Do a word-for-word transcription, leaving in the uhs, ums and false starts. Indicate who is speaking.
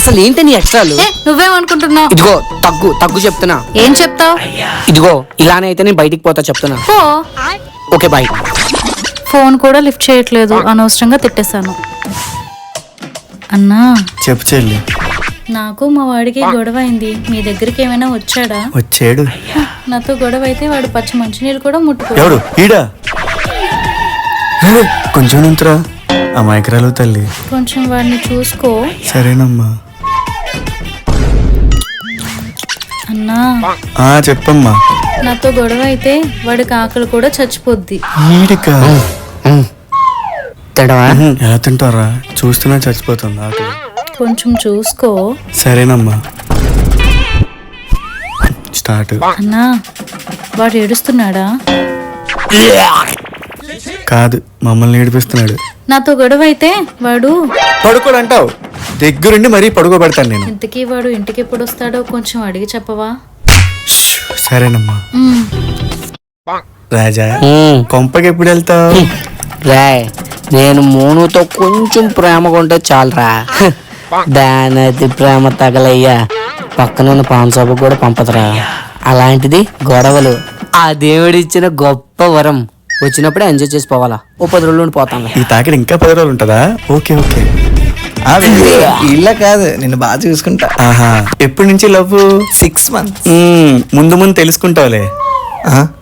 Speaker 1: అసలు ఏంటి నీ ఎక్స్ట్రాలు?
Speaker 2: ఏ, నువ్వేమనుకుంటున్నావు?
Speaker 1: ఇదిగో తగ్గు తగ్గు చెప్తున్నా.
Speaker 2: ఏం చెప్తావు?
Speaker 1: ఇదిగో ఇలానే అయితే నేను బయటికి పోతా చెప్తున్నా.
Speaker 2: పో.
Speaker 1: Okay bye.
Speaker 2: ఫోన్ కూడా లిఫ్ట్ చేయట్లేదు, అనవసరంగా తిట్టేశాను. అన్నా,
Speaker 3: చెప్పు చెల్లి.
Speaker 2: నాకు మా వాడికి గొడవ అయింది. మీ దగ్గరికి ఏమైనా వచ్చాడా?
Speaker 3: వచ్చాడు.
Speaker 2: నాతో గొడవ అయితే వాడు పచ్చి మంచినీళ్ళు కూడా ముట్టుకో.
Speaker 3: ఎవడు ఈడా? హే, కొంచెం నుంచురా. అమాయకురాలు తల్లి.
Speaker 2: కొంచెం వాడిని చూసుకో.
Speaker 3: సరేనమ్మా.
Speaker 2: అన్నా,
Speaker 3: ఆ చెప్పమ్మా.
Speaker 2: నాతో గొడవ అయితే వాడికి ఆకలి కూడా చచ్చిపోద్ది.
Speaker 3: ఈడికా?
Speaker 1: తిడవా?
Speaker 3: ఉహుం, ఎలా తింటారా? చూస్తున్నా చచ్చిపోతుంది ఆకలి.
Speaker 2: కొంచెం చూసుకో.
Speaker 3: సరేనమ్మా. స్టార్ట్.
Speaker 2: అన్నా, వాడు ఏడుస్తున్నాడా?
Speaker 3: కాదు, మమ్మల్ని ఏడిపిస్తున్నాడు.
Speaker 2: నాతో గొడవ అయితే వాడు
Speaker 3: పడుకోడు అంటావు, దగ్గరుండి మరీ పడుకోబెడతాను నేను.
Speaker 2: ఇంతకీ వాడు ఇంటికి ఎప్పుడు వస్తాడో కొంచెం అడిగి చెప్పవా?
Speaker 3: సరేనమ్మా.
Speaker 2: ఉమ్.
Speaker 3: రాజా,
Speaker 1: ఉమ్.
Speaker 3: కొంపకి ఎప్పుడు వెళ్తావు?
Speaker 1: రాయ్, నేను మోనుతో కొంచెం ప్రేమగా ఉంటే చాలరా. దాని అది ప్రేమ తగలయ్యా పక్కనున్న పాన్ షాపు కూడా పంపదురా. అలాంటిది గొడవలు ఆ దేవుడిచ్చిన గొప్ప వరం. వచ్చినప్పుడే ఎంజాయ్ చేసి పోవాలా. ఓ పది రోజులు ఉండి పోతాను.
Speaker 3: ఈ తాకిడి ఇంకా పది రోజులు ఉంటుందా? Okay okay.
Speaker 4: ఇళ్ళ కాదు, నిన్ను బాగా చూసుకుంటా.
Speaker 3: ఆహా, ఎప్పటి నుంచి లవ్?
Speaker 4: Six months.
Speaker 3: ముందు ముందు తెలుసుకుంటావులే.
Speaker 4: ఆ